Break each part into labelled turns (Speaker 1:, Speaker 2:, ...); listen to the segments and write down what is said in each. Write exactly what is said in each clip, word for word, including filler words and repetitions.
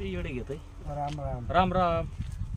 Speaker 1: लय येडे घेतोय.
Speaker 2: राम राम
Speaker 1: राम राम.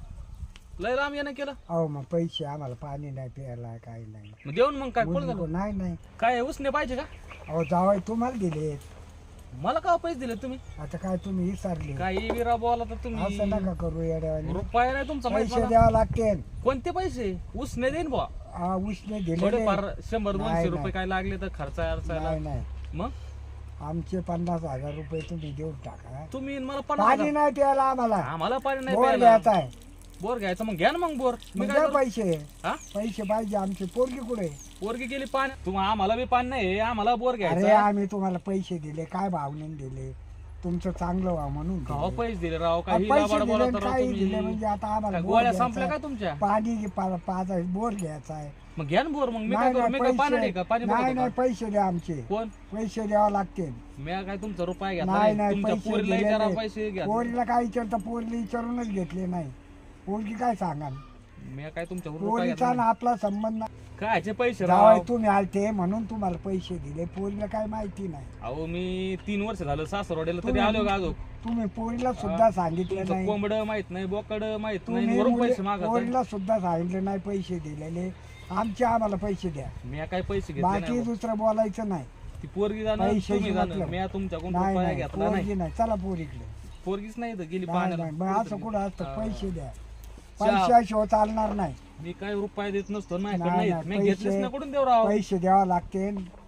Speaker 1: लय राम यानं केलं.
Speaker 2: अहो मग पैसे आम्हाला पाणी नाही प्यायला काही नाही.
Speaker 1: मग देऊन मग काय कोण
Speaker 2: मुली
Speaker 1: झालं?
Speaker 2: को- नाही नाही
Speaker 1: काय उसने पाहिजे का?
Speaker 2: अहो जावाय तुम्हाला दिले.
Speaker 1: मला का पैसे दिले तुम्ही?
Speaker 2: आता काय तुम्ही विसरले?
Speaker 1: काही विरा बोला तर तुम्ही.
Speaker 2: असं नका करू येड्यावानी.
Speaker 1: रुपया नाही तुमचा माहित
Speaker 2: पैसे
Speaker 1: मला.
Speaker 2: द्यावं लागते.
Speaker 1: कोणते पैसे? उसने देईन बुवा.
Speaker 2: हा उसने दिले
Speaker 1: थोडेफार शंभर
Speaker 2: नाही,
Speaker 1: दोनशे
Speaker 2: नाही.
Speaker 1: रुपये काय लागले तर खर्चा अडचायला.
Speaker 2: नाही नाही
Speaker 1: मग
Speaker 2: आमचे पन्नास हजार रुपये तुम्ही देऊन टाका.
Speaker 1: तुम्ही मला पन्नास
Speaker 2: पाणी
Speaker 1: हजार-
Speaker 2: नाही प्यायला आम्हाला.
Speaker 1: आम्हाला पाणी नाही
Speaker 2: बोर
Speaker 1: प्यायला.
Speaker 2: घ्यायचा आहे.
Speaker 1: बोर घ्यायचं मग घ्या ना मग बोर. मी
Speaker 2: मग
Speaker 1: काय
Speaker 2: द्या
Speaker 1: करू?
Speaker 2: पैसे.
Speaker 1: हा?
Speaker 2: पैसे पाहिजे. आमची पोरगी कुठे?
Speaker 1: पोरगी गेली पाणी. तुम्हाला आम्हाला बी पाणी नाही आम्हाला बोर
Speaker 2: अरे
Speaker 1: घ्यायचं.
Speaker 2: आम्ही तुम्हाला पैसे दिले काय भावनेने दिले? तुमचं चांगलं व्हा म्हणून
Speaker 1: गाव
Speaker 2: दिले.
Speaker 1: पैसे दिले राव
Speaker 2: हा,
Speaker 1: काही
Speaker 2: पैसे
Speaker 1: लाबाड
Speaker 2: दिले
Speaker 1: बोला
Speaker 2: आणि
Speaker 1: तर राव
Speaker 2: काही
Speaker 1: तुम्ही.
Speaker 2: दिले म्हणजे आता आम्हाला
Speaker 1: काय
Speaker 2: बोर
Speaker 1: गोळ्या
Speaker 2: घ्यायचा
Speaker 1: संपल्या
Speaker 2: आहे.
Speaker 1: काय तुमच्या?
Speaker 2: पाणी घे- पा- पाच आहे, बोर घ्यायचा आहे.
Speaker 1: मग घ्या ना बोर. मग मी काय
Speaker 2: नाही
Speaker 1: करू?
Speaker 2: नाही
Speaker 1: मी काय पाणी नाही
Speaker 2: पैसे
Speaker 1: का? पाणी
Speaker 2: नाही
Speaker 1: बघतो
Speaker 2: नाही
Speaker 1: का?
Speaker 2: पैसे द्या आमचे.
Speaker 1: कोण?
Speaker 2: पैसे द्यावं लागते.
Speaker 1: मी काय तुमचा रुपया घेतला
Speaker 2: नाही
Speaker 1: नाही.
Speaker 2: नाही
Speaker 1: तुमच्या
Speaker 2: पैसे
Speaker 1: पोरीला
Speaker 2: दिले
Speaker 1: विचारा
Speaker 2: नाही.
Speaker 1: पैसे घ्या.
Speaker 2: पोरीला काय विचारतं? पोरीला विचारूनच घेतले नाही. पोरगी काय सांगा?
Speaker 1: मी काय तुमच्या रुपया
Speaker 2: पोरीचा
Speaker 1: घेतला
Speaker 2: ना
Speaker 1: नाही.
Speaker 2: आपला संबंध नाही.
Speaker 1: कायचे पैसे
Speaker 2: जावाय
Speaker 1: राव?
Speaker 2: तुम्ही आलते म्हणून तुम्हाला पैसे दिले. पोरीला काय माहिती नाही.
Speaker 1: अहो मी तीन वर्ष झालं सासरवाडीला तरी
Speaker 2: तुम्ही-
Speaker 1: आलो का अजून?
Speaker 2: तुम्ही पोरीला सुद्धा सांगितलं
Speaker 1: तुमचं
Speaker 2: नाही.
Speaker 1: कोंबड माहित नाही बोकड माहित नाही
Speaker 2: तुम्ही
Speaker 1: वरून
Speaker 2: मुली-
Speaker 1: पैसे मागत आहे.
Speaker 2: पोरीला सुद्धा सांगितलं नाही पैसे दिलेले. आमचे आम्हाला पैसे द्या.
Speaker 1: मी काय पैसे घेतले
Speaker 2: बाकी
Speaker 1: नाही.
Speaker 2: दुसरं बोलायचं नाही.
Speaker 1: ती पोरगी जाणार
Speaker 2: पैशाची
Speaker 1: तुम्ही जाणार.
Speaker 2: मतलब.
Speaker 1: मी तुमच्याकडून
Speaker 2: नाही
Speaker 1: रुपया
Speaker 2: नाही
Speaker 1: घेतला नाही.
Speaker 2: पोरगी नाही. चला पोरीकडे.
Speaker 1: पोरगीच नाही तर गेली
Speaker 2: नाही
Speaker 1: पाण्याला.
Speaker 2: नाही मग असं कुठं असतं?
Speaker 1: हा.
Speaker 2: पैसे द्या.
Speaker 1: चहा.
Speaker 2: पैशाशिवाय चालणार नाही.
Speaker 1: मी काय रुपया देत नसतो नाही
Speaker 2: नाही,
Speaker 1: नाही
Speaker 2: नाही,
Speaker 1: मी
Speaker 2: पैसे-
Speaker 1: घेतलेच ना कुठून देऊ राव?
Speaker 2: पैसे द्यावं लागते.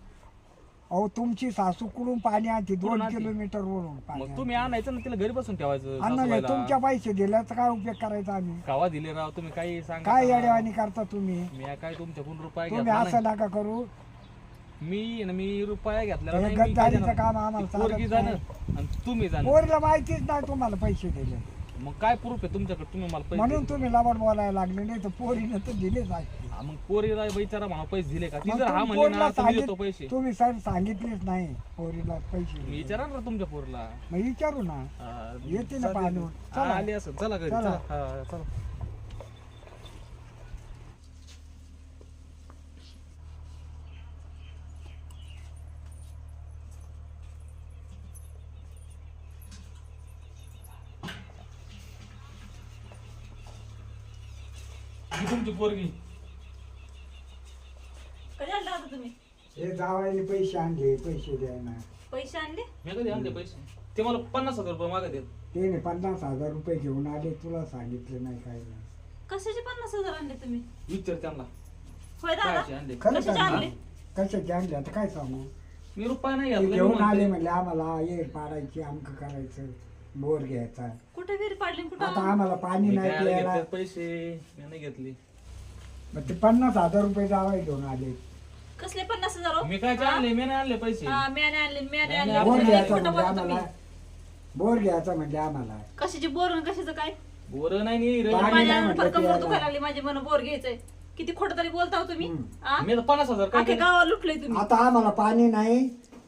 Speaker 2: अहो तुमची सासू कुठून पाणी आणते? दोन
Speaker 1: कुठून आणते?
Speaker 2: किलोमीटर वरून पाणी
Speaker 1: मग तुम्ही आणायचं ना तिला घरी बसून ठेवायचं
Speaker 2: आणा.
Speaker 1: सासूबाईला.
Speaker 2: तुमच्या पैसे दिल्याचा काय उपयोग करायचा आम्ही?
Speaker 1: कावा दिले राव तुम्ही काही सांगा.
Speaker 2: काय येडेवाणी करता तुम्ही?
Speaker 1: मी काय तुमच्याकडून रुपया
Speaker 2: तुम्ही
Speaker 1: घेतला
Speaker 2: असं
Speaker 1: नाही.
Speaker 2: नका करू.
Speaker 1: मी ना मी रुपया घेतलेला
Speaker 2: हे
Speaker 1: नाही. मी काय
Speaker 2: गद्दारीचं
Speaker 1: देणार?
Speaker 2: काम आम्हाला
Speaker 1: ती पोरगी
Speaker 2: चालत
Speaker 1: जाणं आणि तुम्ही जाणं.
Speaker 2: पोरीला माहितीच नाही तुम्हाला पैसे दिले
Speaker 1: मग काय प्रूफ आहे तुमच्याकडे? तुम्ही मला पैसे
Speaker 2: म्हणून
Speaker 1: दिले.
Speaker 2: तुम्ही लबाड बोलायला लागले. नाही तर पोरीनं तर दिलेच आहे.
Speaker 1: हा, मग पोरीला विचारा म्हणा पैसे दिले का? ती
Speaker 2: मग
Speaker 1: जर हा
Speaker 2: तुम्ही
Speaker 1: म्हणली
Speaker 2: पोरीला
Speaker 1: ना तर मी देतो
Speaker 2: सांगित-
Speaker 1: पैसे.
Speaker 2: तुम्ही सर सांगितलेच नाही पोरीला पैसे
Speaker 1: मी
Speaker 2: दिले.
Speaker 1: विचारा ना तुमच्या पोरीला.
Speaker 2: मग विचारू ना.
Speaker 1: हा,
Speaker 2: येते ना
Speaker 1: चालेल.
Speaker 2: पाणीवर.
Speaker 1: हा,
Speaker 2: चला.
Speaker 1: आली असं. चला घरी
Speaker 2: चला.
Speaker 1: चला. हा, चला. ही तुमची पोरगी.
Speaker 3: कधी आणला होता तुम्ही?
Speaker 2: हे जावायला पैसे आणले. पैसे द्यायला
Speaker 3: पैसे आणले?
Speaker 1: मी कधी आणले पैसे? ते मला पन्नास हजार रुपये मागत आहेत.
Speaker 2: ते पन्नास हजार रुपये घेऊन आले. तुला सांगितलं नाही काय नाही.
Speaker 3: कशाचे पन्नास हजार आणले तुम्ही?
Speaker 1: विचार त्यांना
Speaker 3: होय दादा?
Speaker 1: कायचे आणले.
Speaker 2: खरं
Speaker 3: कशाचे
Speaker 2: सांग
Speaker 3: आणले?
Speaker 2: ना. कशाचे आणले आता काय सांगू?
Speaker 1: मी रुपया नाही
Speaker 2: ते
Speaker 1: घेतला. मी
Speaker 2: घेऊन
Speaker 1: म्हणतोय.
Speaker 2: आले म्हणले आम्हाला ये पाडायची अमक करायचं बोर घ्यायचा.
Speaker 3: कुठे विहीर पाडली कुठं?
Speaker 2: आता आम्हाला पाणी
Speaker 1: मी
Speaker 2: नाही
Speaker 1: काय
Speaker 2: प्यायला.
Speaker 1: घेतले पैसे मी नाही घेतली.
Speaker 2: मग ते पन्नास हजार रुपये जावाय घेऊन आले.
Speaker 3: कसले पन्नास हजार हो?
Speaker 1: मी काय आणले? मी नाही आणले पैसे.
Speaker 3: हा, म्याने आणले म्याने
Speaker 1: नाही,
Speaker 3: आणले.
Speaker 1: नाही,
Speaker 2: बोर
Speaker 1: आपण
Speaker 3: कुठं
Speaker 2: घ्यायचा
Speaker 3: खोटं
Speaker 2: म्हणजे
Speaker 3: बोलता तुम्ही?
Speaker 2: आम्हाला बोर घ्यायचा म्हणजे आम्हाला
Speaker 3: कशाचे बोर आणि कशाचं काय?
Speaker 1: बोर नाही नी रे.
Speaker 2: पाणी
Speaker 3: माझ्या
Speaker 2: नाही म्हटलं
Speaker 3: फरक
Speaker 2: प्यायला.
Speaker 3: दुखायला लागली माझी मन बोर घ्यायचंय. किती खोटं तरी बोलता हो तुम्ही?
Speaker 2: हम्म.
Speaker 3: हा?
Speaker 1: मी तर पन्नास हजार काय
Speaker 3: अख्ख्या
Speaker 1: केले?
Speaker 3: गावाला लुटले तुम्ही.
Speaker 2: आता आम्हाला पाणी नाही.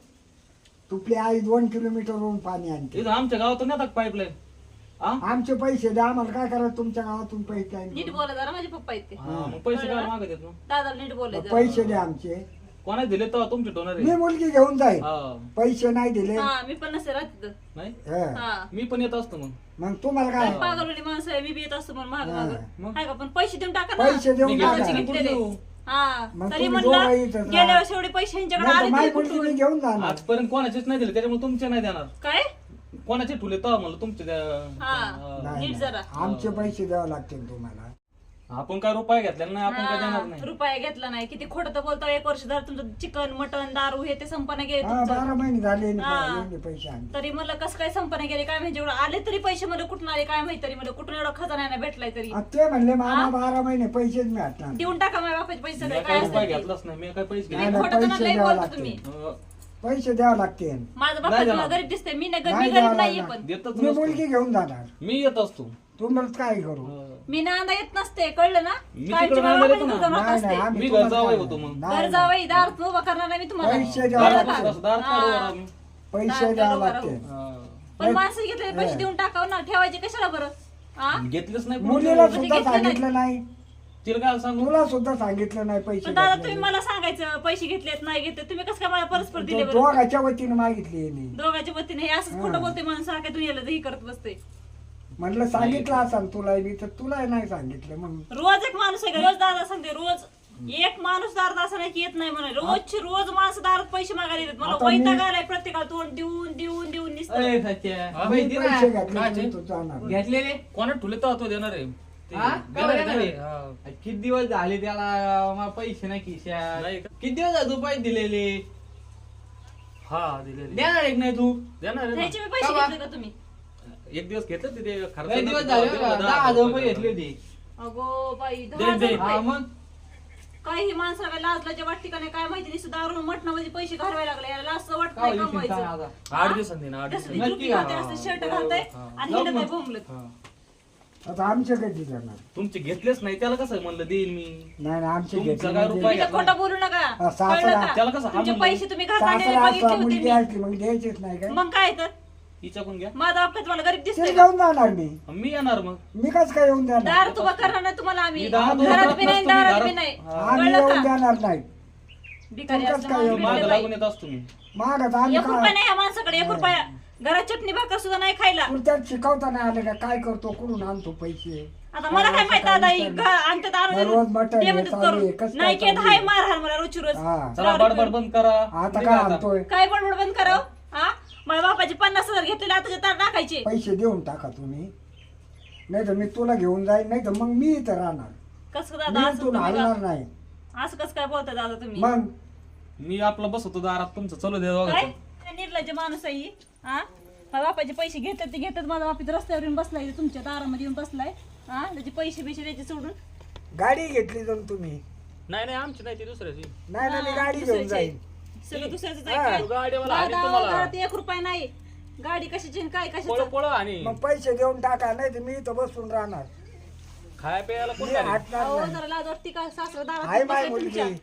Speaker 2: तुपली आई दोन किलोमीटर वरून पाणी आणते.
Speaker 1: इथं आमच्या गावातून येतात पाईपलाईन. हा
Speaker 2: आमचे पैसे द्या. आम्हाला काय करायचं? तुमच्या गावातून पैसे आणले.
Speaker 3: नीट बोला जरा माझे पप्पा आहेत ते.
Speaker 1: हा, मग पैसे काय मागत आहेत मग?
Speaker 3: दादाला नीट बोलायचं.
Speaker 2: पैसे द्या आमचे.
Speaker 1: कोणाला दिले तर तुमचे डोनर
Speaker 2: मी
Speaker 1: आहे.
Speaker 2: मुलगी घेऊन जाईल.
Speaker 1: हा.
Speaker 2: पैसे नाही दिले.
Speaker 3: हा, मी पण नसते राहत तिथं.
Speaker 1: नाही
Speaker 2: हं.
Speaker 3: हा.
Speaker 1: मी पण येत असतो मग.
Speaker 2: मग तुम्हाला काय?
Speaker 3: पागलवाडी माणसं आहे, मी बी येत असतो म्हणून महाग
Speaker 2: हा.
Speaker 3: महाग.
Speaker 1: मग?
Speaker 3: आहे का? पण पैसे देऊन टाका ना.
Speaker 2: पैसे देऊन
Speaker 1: मी
Speaker 2: टाका.
Speaker 1: घ्यायचे
Speaker 3: घेतलेले.
Speaker 1: कुठून देऊ?
Speaker 3: हा,
Speaker 2: मग
Speaker 3: तरी
Speaker 2: तुम्ही
Speaker 3: म्हणलं
Speaker 2: दोघं इथंच
Speaker 3: गेल्या
Speaker 2: राहा.
Speaker 3: वर्षी एवढे पैसे ह्यांच्याकडे
Speaker 2: नाही तर
Speaker 3: आले
Speaker 2: माझी
Speaker 3: तरी
Speaker 2: मुलगी मी
Speaker 3: कुठून?
Speaker 2: घेऊन जाणार.
Speaker 1: आजपर्यंत कोणाचेच नाही दिले त्याच्यामुळे तुमचे नाही देणार.
Speaker 3: काय?
Speaker 1: कोणाचे ठुले तर म्हणलं तुमचे द्या-
Speaker 3: हा.
Speaker 1: हा.
Speaker 2: नाही,
Speaker 3: नीट
Speaker 2: नाही.
Speaker 3: जरा.
Speaker 2: आमचे पैसे द्यावे लागतील तुम्हाला.
Speaker 1: आपण काय रुपये घेतलेला नाही आपण काय देणार
Speaker 3: हा,
Speaker 1: नाही.
Speaker 3: रुपया घेतला नाही. किती खोटं तर बोलतो. एक वर्ष झालं तुमचं चिकन मटन दारू हे ते संपना गेले
Speaker 2: हा
Speaker 3: तुमचं.
Speaker 2: बारा महिने झाले आणि
Speaker 3: हा.
Speaker 2: एवढे पैसे आणले.
Speaker 3: तरी मला कसं काय संपना गेले काय माहिती. एवढं आले तरी पैसे मला कुठून आले काय माहिती. तरी मला कुठून एवढा खजाना नाही भेटलाय तरी.
Speaker 2: आ, ते म्हणले मामा बारा महिने पैसेच मिळतात.
Speaker 3: देऊन टाका माझ्या बापाचे पैसे
Speaker 1: मी
Speaker 3: सगळे
Speaker 1: काय
Speaker 3: काय
Speaker 1: रुपये
Speaker 3: असतील ते.
Speaker 1: घेतलाच नाही. मी काय पैसे
Speaker 3: तुम्ही
Speaker 2: नाही,
Speaker 1: घेतले.
Speaker 2: नाही,
Speaker 3: खोटं तर
Speaker 2: पैसे
Speaker 3: लई
Speaker 2: द्यावं
Speaker 3: बोलता
Speaker 2: लागतील.
Speaker 3: तुम्ही.
Speaker 1: अं,
Speaker 2: पैसे द्यावे लागतील.
Speaker 3: माझं
Speaker 1: नाही
Speaker 3: बापा
Speaker 1: देणार.
Speaker 3: गरीब दिसते. मी नाही गरीब
Speaker 2: नाही
Speaker 3: मी गरीब
Speaker 2: द्यावं
Speaker 3: नाहीये
Speaker 2: लागणार.
Speaker 3: पण.
Speaker 1: देतच
Speaker 2: मी
Speaker 1: नसतो.
Speaker 2: मुलगी घेऊन जाणार.
Speaker 1: मी येत असतो.
Speaker 2: तुम्हाला काय करू?
Speaker 1: अं,
Speaker 3: मी नांदा येत नसते कळलं ना.
Speaker 1: मी
Speaker 3: कायमची
Speaker 1: तिकडं
Speaker 3: माझ्या
Speaker 1: नांदायला
Speaker 3: बापाची
Speaker 1: येतो ना.
Speaker 3: दुकानात
Speaker 2: नाही,
Speaker 3: असते.
Speaker 2: नाही, आम्ही
Speaker 1: मी
Speaker 2: तुम्हाला
Speaker 1: घर जावई
Speaker 2: काय-
Speaker 1: होतो मग.
Speaker 2: नाही,
Speaker 3: घर जावई दारात उभा करणार नाही मी तुम्हाला.
Speaker 2: पैसे द्यावे
Speaker 1: दारात
Speaker 2: लागतील.
Speaker 1: बसू, दारात काढू बरं आम्ही.
Speaker 2: पैसे द्यावे लागतील.
Speaker 1: अं,
Speaker 3: पण माणसं घेतले पैसे
Speaker 2: हा.
Speaker 3: देऊन टाकाव ना. ठेवायचे कशाला बरं? हा?
Speaker 1: घेतलेच नाही
Speaker 2: मुलीला
Speaker 1: कोणी.
Speaker 2: सुद्धा
Speaker 3: घेतलं नाही.
Speaker 2: सांगितलं नाही.
Speaker 1: तिला काय सांगू?
Speaker 2: तुला सुद्धा सांगितलं नाही पैसे
Speaker 3: पण दादा
Speaker 2: घेतलेले.
Speaker 3: तुम्ही मला सांगायचं पैसे घेतलेत नाही घेतले. तुम्ही कसं काय मला परस्पर दिले
Speaker 2: तो
Speaker 3: बरं?
Speaker 2: दोघाच्या वतीने मागितली यांनी.
Speaker 3: दोघांच्या वतीने हे असंच खोटं बोलते माणूस सारख्या दुनियाला ही करत बसते.
Speaker 2: म्हणलं सांगितलं असं तुला मी तर तुला नाही सांगितलं मग
Speaker 3: रोज एक माणूस आहे का? रोज दादा सांगते रोज एक माणूस दारात असं नाही की येत नाही म्हणे रोजची रोज माणसं दारात पैसे मागायला येतात मला
Speaker 2: आता मी-
Speaker 3: वैताग आलाय प्रत्येकाला तोंड देऊन देऊन देऊन दिसत
Speaker 4: अरे सच्च्या
Speaker 1: हा?
Speaker 2: मी
Speaker 4: माहिती
Speaker 2: पैसे
Speaker 4: ना
Speaker 2: घेतले
Speaker 1: काचे?
Speaker 2: तू जाणार
Speaker 4: घेतलेले
Speaker 1: कोणा ठुले तर तो देणार आहे ते
Speaker 4: हा?
Speaker 1: देणार आहे
Speaker 4: देणार
Speaker 1: का
Speaker 4: आहे?
Speaker 1: ते? हा.
Speaker 4: किती दिवस झाले त्याला मला पैसे नाही खिशात
Speaker 1: नाही का?
Speaker 4: किती दिवस झाले तू पैसे दिलेले
Speaker 1: हा दिलेले
Speaker 4: देणार एक नाही तू
Speaker 1: देणार आहे
Speaker 3: त्याचे
Speaker 1: ना.
Speaker 3: मी पैसे
Speaker 4: का बा?
Speaker 3: घेतले का तुम्ही
Speaker 1: एक दिवस घेतलं ते- ते
Speaker 4: लय
Speaker 1: खर्च
Speaker 4: दिवस झाले बघा, दहा हजार रुपये घेतले होते
Speaker 3: अगो बाई
Speaker 1: दे-
Speaker 3: दहा हजार
Speaker 1: दे.
Speaker 4: हा
Speaker 3: रुपये.
Speaker 4: मग
Speaker 3: काही माणसाला काय लाजलाच्या वाटते का नाही काय माहिती नाही सुद्धा दारू मटणामध्ये पैसे घालवायला लागले याला असं वाटत
Speaker 4: का
Speaker 3: नाही
Speaker 4: होईल शिंता
Speaker 3: कमवायचं
Speaker 4: आता?
Speaker 1: आठ दिवसांनी ना आठ
Speaker 3: कसली
Speaker 1: दिवसांनी
Speaker 4: नक्की
Speaker 3: जुती घालते
Speaker 4: हा.
Speaker 3: असं शर्ट घालतंय
Speaker 1: हा.
Speaker 3: आणि
Speaker 4: जाऊ
Speaker 3: हिंडत आहे
Speaker 4: मग.
Speaker 3: बोंबलत
Speaker 1: हा.
Speaker 2: आता आमचे कधी जाणार
Speaker 1: तुमचे घेतलेच नाही त्याला कसं म्हणलं देईन मी
Speaker 2: नाही नाही आमचे
Speaker 1: तुमचा
Speaker 2: घेतले
Speaker 1: काय
Speaker 2: म्हणजे-
Speaker 1: रुपये
Speaker 3: तुम्ही तर खोटं बोलू नका
Speaker 2: हा, सासरा-
Speaker 3: कळलं का?
Speaker 1: त्याला कसं हा
Speaker 3: तुमचे
Speaker 1: म्हणलं?
Speaker 3: पैसे तुम्ही घालताना
Speaker 2: सासरा
Speaker 3: बघितले
Speaker 2: असला
Speaker 3: होते
Speaker 2: मुलगी
Speaker 3: मी.
Speaker 2: असली मग द्यायचीच नाही काय
Speaker 3: मग काय तर
Speaker 1: हिच्याकडून घ्या
Speaker 3: माझा बाप तुम्हाला गरीब
Speaker 2: ते
Speaker 3: दिसतोय
Speaker 2: घेऊन जाणार मी
Speaker 1: मी येणार मग
Speaker 2: मी कस काय येऊन देणार
Speaker 3: दार तुबा करणार नाही तुम्हाला आम्ही
Speaker 1: मी दारात
Speaker 3: घरात
Speaker 1: उभा
Speaker 3: बी नाही
Speaker 1: नसतो, मी
Speaker 3: दारात
Speaker 1: दारात-
Speaker 3: बी नाही
Speaker 1: हा.
Speaker 2: आम्ही
Speaker 3: कळलं
Speaker 2: येऊन
Speaker 3: का
Speaker 2: देणार नाही
Speaker 3: भिकारी
Speaker 2: तुमचंच
Speaker 3: असलं
Speaker 2: काय
Speaker 3: माणूस
Speaker 2: एवढं?
Speaker 1: माग
Speaker 3: भेटलं
Speaker 1: लागून
Speaker 3: बाई.
Speaker 1: येत असतो मी
Speaker 2: मागत आम्ही
Speaker 3: एक रुपया
Speaker 2: काय
Speaker 3: नाही ह्या माणसाकडे एक रुपया घरात चटणी भाकर सुद्धा नाही खायला
Speaker 2: पुढच्यात शिकवता नाही आले का काय करतो कुठून आणतो पैसे
Speaker 3: आता मला काय माहित दादा ही घ- आणतात आणून
Speaker 2: रोज मटण
Speaker 3: ते
Speaker 2: हे
Speaker 3: म्हणतात
Speaker 2: चालू आहे,
Speaker 3: करून.
Speaker 2: कसं
Speaker 3: नाही
Speaker 2: काय
Speaker 3: केत
Speaker 2: चालू
Speaker 3: हाय
Speaker 2: आहे?
Speaker 3: मारहाण मला रोजची रोज
Speaker 2: हा
Speaker 1: चला बडबड बंद करा
Speaker 2: आता
Speaker 1: निघा
Speaker 2: काय
Speaker 1: आता.
Speaker 2: आणतोय
Speaker 3: काय बडबड बंद करावं हा माझ्या बापाचे पन्नास हजार घेतलेले आता तार टाकायचे
Speaker 2: पैसे देऊन टाका तुम्ही नाही तर मी तुला घेऊन जाईन नाही तर मग मी इथं राहणार
Speaker 3: कसं
Speaker 2: मी
Speaker 3: दादा असं
Speaker 2: इथून
Speaker 3: तुम्ही
Speaker 2: हलणार
Speaker 3: का-
Speaker 2: नाही
Speaker 3: असं कसं काय बोलता दादा तुम्ही
Speaker 2: मग
Speaker 1: मी आपला बसवतो दारात तुमचं चलू दे
Speaker 3: काय
Speaker 1: दोघांचं.
Speaker 3: काय निर्लज्ज माणूस आहे ही? हा माझ्या बापाचे पैसे घेतात ते घेतात माझा बाप इथं रस्त्यावर येऊन बसलाय इथं तुमच्या दारामध्ये येऊन बसलाय हा त्याचे पैसे बिशे त्याचे सोडून
Speaker 2: गाडी घेतली जाऊन तुम्ही
Speaker 1: नाही नाही आमची नाही ती दुसऱ्याची
Speaker 2: नाही ना मी
Speaker 3: हा,
Speaker 2: गाडी घेऊन
Speaker 3: दुसऱ्याचे.
Speaker 2: जाईन
Speaker 3: सगळं दुसऱ्याच
Speaker 2: हा.
Speaker 1: गाडीवाला आणि
Speaker 3: दादा
Speaker 1: तुम्हाला
Speaker 3: घरात एक रुपया नाही गाडी कशाची आणि काय
Speaker 1: पळ
Speaker 3: कशाचं
Speaker 1: पळ आणि
Speaker 2: मग पैसे देऊन टाका नाही तर मी इथं बसून राहणार
Speaker 1: खाया प्यायला कोण
Speaker 2: मी
Speaker 1: घालेल?
Speaker 2: हटणार
Speaker 3: अहो
Speaker 2: नाही
Speaker 3: जरा लाज वाटते का सासरा
Speaker 2: आहे
Speaker 3: दारात
Speaker 2: माय
Speaker 3: बसलाय
Speaker 2: मुलगी
Speaker 3: तुमच्या.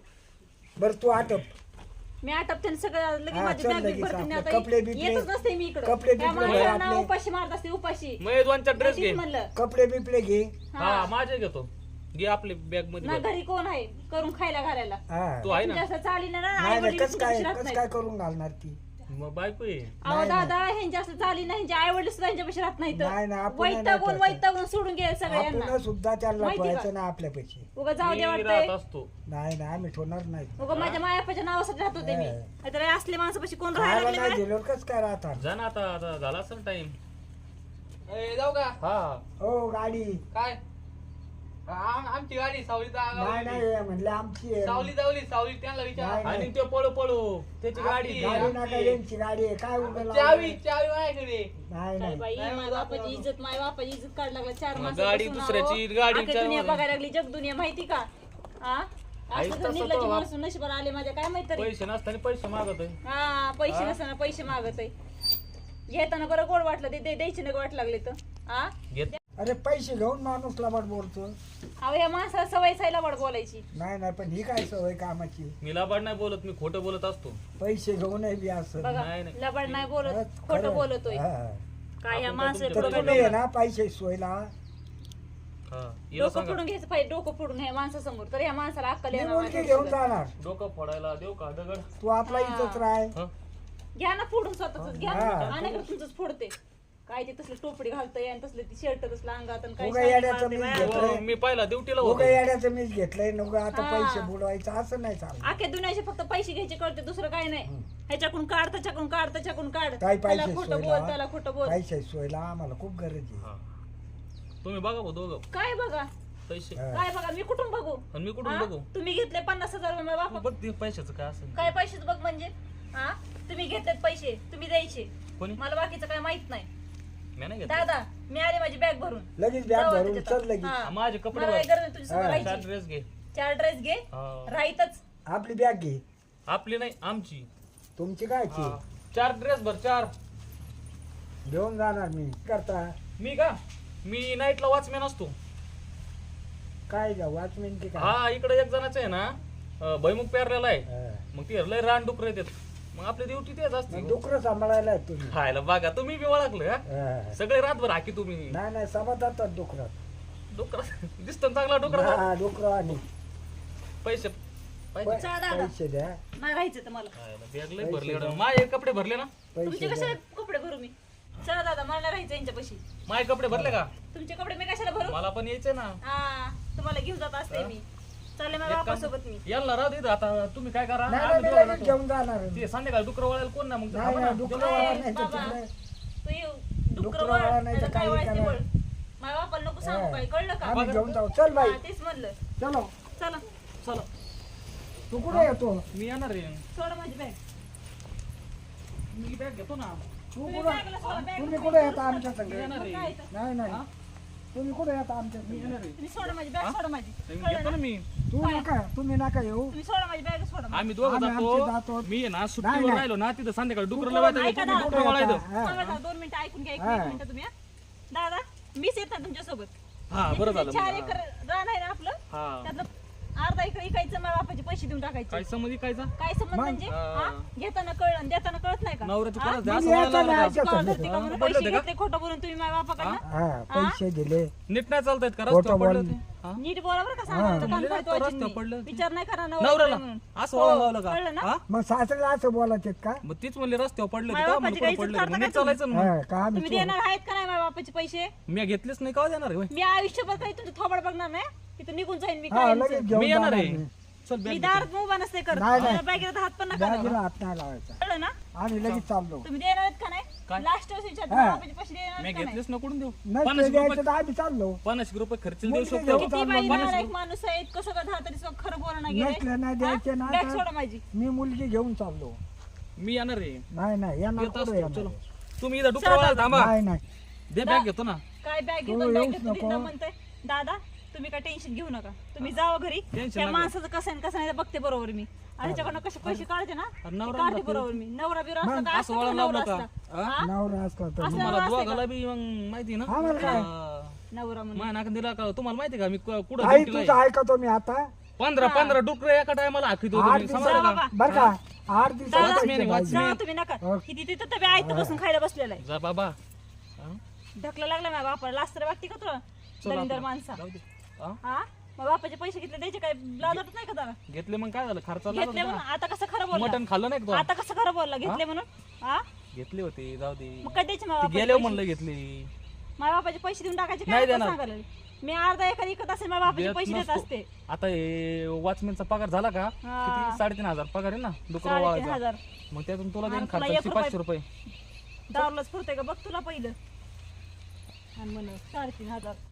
Speaker 2: बर तू आटप
Speaker 3: मी आटपते सगळं लगेच
Speaker 2: हा,
Speaker 3: माझी
Speaker 2: चल
Speaker 3: बॅग बिग
Speaker 2: लगेच
Speaker 3: भरते आणि
Speaker 2: आपले
Speaker 3: आता
Speaker 2: कपडे बिपडे-
Speaker 3: येतच नसते मी इकडं
Speaker 2: कपडे
Speaker 3: त्या
Speaker 2: बिपडे
Speaker 3: माणसाला
Speaker 2: आपले-
Speaker 3: उपाशी मारत असते उपाशी
Speaker 1: मग दोनचा ड्रेस घे
Speaker 3: तेच म्हणलं
Speaker 2: कपडे बिपडे घे
Speaker 1: हा माझे घेतो घे आपले बॅग
Speaker 3: ना
Speaker 1: मध्ये
Speaker 3: घरी कोण आहे करून खायला घालायला
Speaker 2: हा
Speaker 1: तू आहे ना
Speaker 3: तुमच्या असं चालीनं ना आई
Speaker 2: नाही
Speaker 3: वडील
Speaker 2: कस काय
Speaker 3: राहत
Speaker 2: कस
Speaker 3: नाहीत.
Speaker 2: काय करून घालणार ती
Speaker 1: मग बायको आहे
Speaker 3: अहो
Speaker 2: नाही,
Speaker 3: दादा ह्यांच्या असं चाली नाही ह्यांच्या आई वडील सुद्धा ह्यांच्यापाशी राहत
Speaker 2: नाही, नाही,
Speaker 3: नाहीत
Speaker 2: आपण नाही
Speaker 3: वैतागून
Speaker 2: तसं.
Speaker 3: वैतागून सोडून गेले सगळ्यांना
Speaker 2: आपण सुद्धा त्याला
Speaker 3: माहिती का?
Speaker 2: पळायचं ना आपल्या पैसे
Speaker 3: उगा जाऊ दे
Speaker 1: मी
Speaker 3: वाटतंय
Speaker 1: राहत असतो
Speaker 2: नाही नाही आम्ही ठेवणार नाही
Speaker 3: उगा माझ्या मायापाच्या नावासाठी राहत होते मी
Speaker 2: हा.
Speaker 3: नाहीतर असले माणसापाशी कोण राहायला
Speaker 2: खायला
Speaker 3: लागले
Speaker 2: नाही
Speaker 3: बरं?
Speaker 2: दिलं कस काय राहतात
Speaker 1: जा ना आता आता झाला असेल टाइम
Speaker 4: ए, जाऊ का
Speaker 1: हा
Speaker 2: हो गाडी
Speaker 4: काय आम- आमची गाडी सावलीत
Speaker 2: नाही नाही म्हणले आमची आहे.
Speaker 4: सावली जावली सावली त्यांना
Speaker 2: नाही,
Speaker 4: विचार
Speaker 2: नाही.
Speaker 1: आणि ते पळू पळू त्याची गाडी
Speaker 4: आपली
Speaker 2: गाडी
Speaker 4: आमची
Speaker 2: नका
Speaker 4: आहे.
Speaker 2: यांची गाडी आहे काय उभं लावलंय?
Speaker 4: चावी चावी माझ्याकडे
Speaker 2: नाही
Speaker 3: काय
Speaker 2: नाही
Speaker 3: बाई
Speaker 4: नाही,
Speaker 3: माझ्या
Speaker 4: मला
Speaker 3: बापाची
Speaker 4: दाखवा.
Speaker 3: इज्जत माझ्या बापाची इज्जत काढ लागला चार
Speaker 1: मग
Speaker 3: माणसं
Speaker 1: गाडी
Speaker 3: बसून
Speaker 1: दुसऱ्याची,
Speaker 3: आहो.
Speaker 1: गाडी
Speaker 3: अख्खी
Speaker 1: चार
Speaker 3: दुनिया
Speaker 1: माणसं.
Speaker 3: बघायला लागली जग दुनिया माहिती का हा
Speaker 1: आईच
Speaker 3: असं
Speaker 1: तसं
Speaker 3: निर्लज्ज
Speaker 1: तो
Speaker 3: माणूस नशिबाला आले माझ्या काय माहित तरी
Speaker 1: पैसे नसताना पैसे मागत आहे
Speaker 3: हा पैसे नसताना पैसे मागत आहे घेताना बरं गोड वाटलं ते दे- द्यायचे नाही वाट लागले तर हा
Speaker 1: घेत
Speaker 2: अरे पैसे घेऊन माणूस लबाड बोलतो
Speaker 3: अहो या माणसाला सवय सायला वाट बोलायची
Speaker 2: नाही नाही पण ही काय सवय कामाची
Speaker 1: मी लाबाड नाही बोलत मी खोटं बोलत असतो
Speaker 2: पैसे घेऊन बी असं
Speaker 3: बघा
Speaker 1: नाही, नाही.
Speaker 3: लबाड नाही बोलत
Speaker 2: खरंच,
Speaker 3: खोटं
Speaker 2: खरंच.
Speaker 3: बोलतोय
Speaker 2: हा.
Speaker 3: काय या
Speaker 1: आपण
Speaker 3: माणसं
Speaker 1: काय
Speaker 2: तर
Speaker 1: तुमच्या
Speaker 2: तुम्ही आहे ना पैसे सोयला
Speaker 1: हा हिला
Speaker 3: डोकं
Speaker 1: सांगा
Speaker 3: फोडून घ्यायचं पाहिजे डोकं फोडून ह्या माणसासमोर तर या माणसाला अक्कल
Speaker 2: मी
Speaker 3: येणार
Speaker 2: मुलगी
Speaker 3: नाही.
Speaker 2: घेऊन जाणार
Speaker 1: डोकं फोडायला देऊ का दगड
Speaker 2: तू आपला इथंच राह
Speaker 1: हं?
Speaker 3: घ्या ना फोडून स्वतःच घ्या
Speaker 2: हा.
Speaker 3: आणि तुमचंच फोडते काय ते तसलं टोपडी घालतंय आणि तसलं ती शर्ट तसलं अंगात आणि काय
Speaker 2: उगा
Speaker 3: शाली
Speaker 2: येड्याचं
Speaker 3: मारते
Speaker 2: मी
Speaker 3: बाया.
Speaker 2: घेतो.
Speaker 1: हो, मी पहिला ड्युटीला
Speaker 2: उगा
Speaker 1: होतो
Speaker 2: येड्याचं मीच घेतलंय नको आता
Speaker 3: हा.
Speaker 2: पैसे बुडवायचं असं नाही चालत
Speaker 3: अख्ख्या दुनियाचे फक्त पैसे घ्यायचे कळते दुसरं काय नाही ह्याच्याकडून काढ त्याच्याकडून काढ त्याच्याकडून काढ
Speaker 2: काय
Speaker 3: त्याला
Speaker 2: पैसे
Speaker 3: खोटं बोल
Speaker 2: सोयला
Speaker 3: त्याला खोटं बोल
Speaker 2: पैसे सोयला आम्हाला खूप गरज आहे
Speaker 1: हा. तुम्ही बघा भाऊ दोघं
Speaker 3: काय बघा
Speaker 1: पैसे
Speaker 2: हा.
Speaker 3: काय बघा मी कुठून बघू
Speaker 1: आणि मी कुठून
Speaker 3: हा?
Speaker 1: बघू
Speaker 3: तुम्ही घेतले पन्नास हजार रुपये
Speaker 1: तू
Speaker 3: बापा
Speaker 1: बघ ते पैशाचं काय असेल
Speaker 3: काय पैसेच बघ म्हणजे हा तुम्ही घेतलेत पैसे तुम्ही द्यायचे
Speaker 1: कोणी
Speaker 3: मला बाकीचं काय माहित नाही
Speaker 1: मी नाही घेतलं
Speaker 3: दादा मी आले माझी बॅग भरून
Speaker 2: लगेच बॅग
Speaker 3: जाऊ
Speaker 2: भरून
Speaker 3: त्याच्यात.
Speaker 2: चल लगेच
Speaker 3: हा.
Speaker 1: माझे कपडे
Speaker 3: मला काय
Speaker 1: भर.
Speaker 3: गरज नाही तुझ्यासमोर
Speaker 2: हा.
Speaker 1: चार
Speaker 3: राहायची
Speaker 1: ड्रेस घे
Speaker 3: चार ड्रेस घे
Speaker 1: हा.
Speaker 3: राहीतच
Speaker 2: आपली बॅग घे
Speaker 1: आपली नाही आमची
Speaker 2: तुमची कायची
Speaker 1: हा. चार ड्रेस भर चार
Speaker 2: घेऊन जाणार मी करता
Speaker 1: मी का मी नाईटला वॉचमॅन असतो
Speaker 2: काय जा वॉचमॅन की काय
Speaker 1: हा इकडे एक जणाचं आहे ना अं, भैमुख पेरलेला आहे
Speaker 2: हा.
Speaker 1: मग ते लय रान डुकर येतात मग आपली ड्युटी तेच असते
Speaker 2: मग डुकरं सांभाळायला आहेत तुम्ही
Speaker 1: खायला बघा तुम्ही बी ओळखलं का
Speaker 2: हा.
Speaker 1: सगळे रातभर हाकी तुम्ही
Speaker 2: नाही नाही समजतात डुकरात
Speaker 1: डुकर दिसतो ना चांगला डुकर
Speaker 2: हा डुकरं आणि
Speaker 1: पैसे पैसे
Speaker 3: चला दादा.
Speaker 2: पैसे द्या
Speaker 3: नाही राहायचं तर मला
Speaker 1: खायला बॅग लय भरले एवढं. माझे कपडे भरले ना
Speaker 3: तुमचे
Speaker 2: पैसे
Speaker 3: कसे
Speaker 2: द्या
Speaker 3: कपडे भरू मी चला दादा मला नाही राहायचं यांच्यापाशी
Speaker 1: माझे कपडे भरले का
Speaker 3: तुमचे कपडे मी कशाला भरू
Speaker 1: मला पण यायचे ना
Speaker 3: हा तुम्हाला घेऊन जात असते मी चालले माझ्या
Speaker 1: एक काम-
Speaker 3: बापासोबत मी
Speaker 1: याला राहू दे आता तुम्ही काय करा
Speaker 2: नाही
Speaker 1: आम्ही
Speaker 2: नाही,
Speaker 1: दोघं
Speaker 2: मी लगेच
Speaker 1: जातो.
Speaker 2: घेऊन जाणार
Speaker 1: ते संध्याकाळी डुकर वळायला कोण ना मग
Speaker 2: नाही
Speaker 1: थांबा
Speaker 2: नाही
Speaker 1: ना.
Speaker 2: डुकर
Speaker 3: ए,
Speaker 2: वाळा नाही तर
Speaker 3: बाबा.
Speaker 2: तिकडे.
Speaker 3: तू येऊ डुकर
Speaker 2: डुकरं
Speaker 3: वळ
Speaker 2: वळा नाही तर
Speaker 3: नाहीतर काय
Speaker 2: काही
Speaker 3: वळायचं
Speaker 2: करा.
Speaker 3: वळ माझ्या बापाला नको सांगू काय कळलं का
Speaker 2: आम्ही घेऊन जाऊ चल बाई
Speaker 3: हा, तेच म्हणलं
Speaker 2: चलो
Speaker 3: चला
Speaker 1: चला
Speaker 2: तू कुठे येतो
Speaker 1: मी येणार रे
Speaker 3: सोडा माझी बॅग
Speaker 1: मी बॅग घेतो ना
Speaker 2: तू
Speaker 3: तुम्ही
Speaker 2: कुठं
Speaker 3: बॅगला सोडा, बॅग
Speaker 2: तुम्ही
Speaker 3: मध्ये
Speaker 2: कुठे
Speaker 3: सोडा.
Speaker 2: येता आमच्या संग
Speaker 1: येणार रे
Speaker 3: काय तर?
Speaker 2: नाही नाही
Speaker 1: हा?
Speaker 2: तुम्ही कुठे येता आमच्या संग
Speaker 1: येणार रे
Speaker 3: तुम्ही सोडा माझी बॅग सोडा माझी
Speaker 1: मी
Speaker 3: कळलं
Speaker 1: घेतो
Speaker 3: ना?
Speaker 1: ना मी
Speaker 2: तू नका तुम्ही नका येऊ
Speaker 3: तुम्ही सोडा माझी बॅग सोडा
Speaker 1: आम्ही दोघं
Speaker 2: आम्ही आमचे
Speaker 1: जातो
Speaker 2: जातो.
Speaker 1: मी आहे ना
Speaker 2: नाही,
Speaker 1: सुट्टीवर
Speaker 2: नाही.
Speaker 1: राहिलो ना तिथं संध्याकाळी डुकर
Speaker 2: डुकरं
Speaker 1: लावायचं
Speaker 3: ऐका ना.
Speaker 1: डुकर वळायचं
Speaker 2: हा.
Speaker 3: थांबा ना, दोन मिनिटं ऐकून घ्या एक
Speaker 2: हा.
Speaker 3: मिनिट तुम्ही हा. दादा मीच येत ना तुमच्यासोबत
Speaker 1: हा बरं झालं
Speaker 3: चार
Speaker 1: मग.
Speaker 3: एकर रान आहे ना आपलं
Speaker 1: हा
Speaker 3: त्यातलं अर्धा एकर इकायचं माझ्या बापाचे पैसे देऊन
Speaker 1: काय
Speaker 3: टाकायचे
Speaker 1: समज कायचा
Speaker 3: काय समज
Speaker 2: मग?
Speaker 3: म्हणजे
Speaker 1: हा.
Speaker 3: हा? घेताना कळलं आणि देताना कळत नाही का
Speaker 1: नवऱ्याची
Speaker 3: हा?
Speaker 1: परत
Speaker 2: मग
Speaker 1: असं
Speaker 2: यायचं
Speaker 1: वळायला
Speaker 2: नाही
Speaker 1: लागलं.
Speaker 2: आमच्या
Speaker 3: कळलं
Speaker 2: संग.
Speaker 3: होते का म्हणून
Speaker 1: पडलं
Speaker 3: पैसे
Speaker 1: होते का?
Speaker 3: घेतले खोटं बोलून तुम्ही माझ्या बापाकडनं
Speaker 2: हा पैसे दिले
Speaker 1: नीट नाही चालतायत का
Speaker 2: खोटं
Speaker 1: रस्त्यावर पडलं
Speaker 2: बोल.
Speaker 1: ते? हा?
Speaker 3: नीट बोलावर का
Speaker 2: हा.
Speaker 3: सांगा
Speaker 1: म्हणले ना, तो रस्त्यावर पडलं
Speaker 3: कान
Speaker 1: ते.
Speaker 3: विचार नाही करा
Speaker 1: नवऱ्याला
Speaker 3: म्हणून
Speaker 1: असं
Speaker 3: हो,
Speaker 1: वळावलं
Speaker 3: कळलं ना?
Speaker 1: का हा?
Speaker 2: मग सासऱ्याला असं बोलायचे का
Speaker 1: मग तीच म्हणले रस्त्यावर पडलं
Speaker 3: माझ्या
Speaker 1: का
Speaker 3: बापाची
Speaker 1: मला
Speaker 3: काही
Speaker 1: कुठं
Speaker 3: इज्जत
Speaker 1: पडलं
Speaker 3: करता
Speaker 1: मग नीट
Speaker 3: का तुम्ही?
Speaker 1: चालायचं ना मग.
Speaker 2: हा, का आम्ही
Speaker 3: तुम्ही देणार आहेत का नाही माझ्या बापाचे पैसे
Speaker 1: मी घेतलेच नाही का देणार आहे होय?
Speaker 3: मी आयुष्यभर काही तुमचं थोबड बघणार नाही तिथं निघून जाईन मी
Speaker 2: हा
Speaker 3: काय
Speaker 2: लगेच घेऊन
Speaker 1: मी येणार
Speaker 2: जाणार
Speaker 1: आहे
Speaker 2: मी.
Speaker 1: चल
Speaker 3: मी
Speaker 1: बॅग
Speaker 3: दारात उभा नसते करत
Speaker 2: नाही, नाही.
Speaker 3: माझ्या बॅगेला हात पण नका लावू.
Speaker 2: बॅगेला हात नाही लावायचा
Speaker 3: कळलं ना
Speaker 2: आम्ही लगेच चाललो
Speaker 3: तुम्ही देणार आहेत का नाही
Speaker 1: काय?
Speaker 3: लास्ट विचारतो
Speaker 2: हा.
Speaker 3: बापाचे पैसे देणार
Speaker 1: मी
Speaker 3: आहेत का नाही
Speaker 1: घेतलेच ना कुठून देऊ
Speaker 2: नाही
Speaker 1: पन्नास
Speaker 2: ते द्यायचं
Speaker 1: रुपये
Speaker 2: तर आम्ही चाललो
Speaker 1: पन्नास रुपये खर्च देऊ
Speaker 2: मुलगी
Speaker 1: शकतो
Speaker 2: घेऊन
Speaker 3: किती
Speaker 2: चाललो.
Speaker 3: बाई
Speaker 1: पन्नास
Speaker 3: नालायक माणूस आहे इतकं सगळं दहा तरी सगळं खरं बोलणं
Speaker 2: नसले नाही द्यायचे ना
Speaker 3: बॅग
Speaker 2: तर
Speaker 3: सोडा माझी
Speaker 2: मी मुलगी घेऊन चाललो
Speaker 1: मी येणार आहे
Speaker 2: नाही नाही येणार
Speaker 1: येत
Speaker 2: कुठं
Speaker 1: असतो
Speaker 2: येणार
Speaker 1: चलो तुम्ही इथं डुकर वळायला थांबा
Speaker 2: नाही नाही
Speaker 1: दे बॅग घेतो ना
Speaker 3: काय बॅग
Speaker 2: तू
Speaker 3: घेतो बॅग
Speaker 2: येऊच
Speaker 3: घेतो
Speaker 2: नको.
Speaker 3: तिथं म्हणतोय दादा तुम्ही काय टेन्शन घेऊ नका तुम्ही जावा घरी
Speaker 1: Tension
Speaker 3: त्या
Speaker 1: नका.
Speaker 3: माणसाचं कसं आहे कसं नाही ते बघते बरोबर मी आणि त्याच्याकडनं कसे पैसे काढते ना
Speaker 1: अरे
Speaker 3: ते
Speaker 1: नवरा
Speaker 3: काढते
Speaker 1: जातो.
Speaker 3: बरोबर मी नवरा बिरा असला
Speaker 2: मग
Speaker 3: का
Speaker 1: असं
Speaker 3: असला का
Speaker 1: वळण
Speaker 3: नवरा
Speaker 1: लावलं का?
Speaker 3: असला
Speaker 1: हा?
Speaker 3: हा?
Speaker 2: नवरा असला तर
Speaker 3: असं
Speaker 1: तुम्हाला
Speaker 3: नवरा असते
Speaker 1: दोघाला बी मग माहिती ना
Speaker 2: आम्हाला काय?
Speaker 1: हा.
Speaker 3: नवरा म्हणून
Speaker 1: माझ्या नाकात दिला का तुम्हाला माहिती का मी कु- कुठं
Speaker 2: आई
Speaker 1: ड्युटीला
Speaker 2: तुझं
Speaker 1: आहे?
Speaker 2: ऐकतो मी आता
Speaker 1: पंधरा पंधरा डुकर एका टायमाला आखितो
Speaker 2: आठ
Speaker 1: तुम्ही
Speaker 2: दिवसात
Speaker 1: समजलं का
Speaker 3: बाबा.
Speaker 2: बर का आठ दिवसात
Speaker 3: दादा,
Speaker 2: पैसे पाहिजे.
Speaker 3: जावा तुम्ही नका
Speaker 2: हो.
Speaker 3: किती तिथं तर आयत बसून खायला बसलेला आहे
Speaker 1: जा बाबा हा?
Speaker 3: ढकला लागला माझ्या बापाला लास्ट तर वाटते का तुला
Speaker 1: चल
Speaker 3: दलिंदर
Speaker 1: आता.
Speaker 3: माणसा
Speaker 1: जाऊ दे. हा?
Speaker 3: हा मग बापाचे पैसे घेतले द्यायचे काय लाजत नाही का त्याला
Speaker 1: घेतले मग काय झालं खर्च
Speaker 3: घेतले म्हणून आता कसं खरं बोलला
Speaker 1: मटन खाल्लं नाही का
Speaker 3: आता कसं खरं बोलला घेतले म्हणून हा
Speaker 1: तू? घेतले होते जाऊ दे
Speaker 3: मग काय द्यायचे माझ्या
Speaker 1: ते
Speaker 3: बापाचे
Speaker 1: गेले
Speaker 3: पैसे?
Speaker 1: म्हणलं घेतले
Speaker 3: माझ्या बापाचे पैसे देऊन टाकायचे
Speaker 1: नाही
Speaker 3: काय
Speaker 1: देणार.
Speaker 3: सांगायला मी अर्धा एकर इकत असेल माझ्या बापाचे
Speaker 1: देत
Speaker 3: पैसे देत
Speaker 1: नसतो.
Speaker 3: असते
Speaker 1: आता हे वॉचमॅनचा पगार झाला का
Speaker 3: हा.
Speaker 1: किती साडेतीन हजार पगार आहे ना डुकर
Speaker 3: साडेतीन
Speaker 1: वाळायचा
Speaker 3: हजार
Speaker 1: मग त्यातून तुला देईन
Speaker 3: आणि तुला
Speaker 1: खर्च
Speaker 3: एक
Speaker 1: पाचशे रुपये
Speaker 3: दारूलाच पुरते का बघ तुला पहिलं आणि म्हण साडेतीन हजार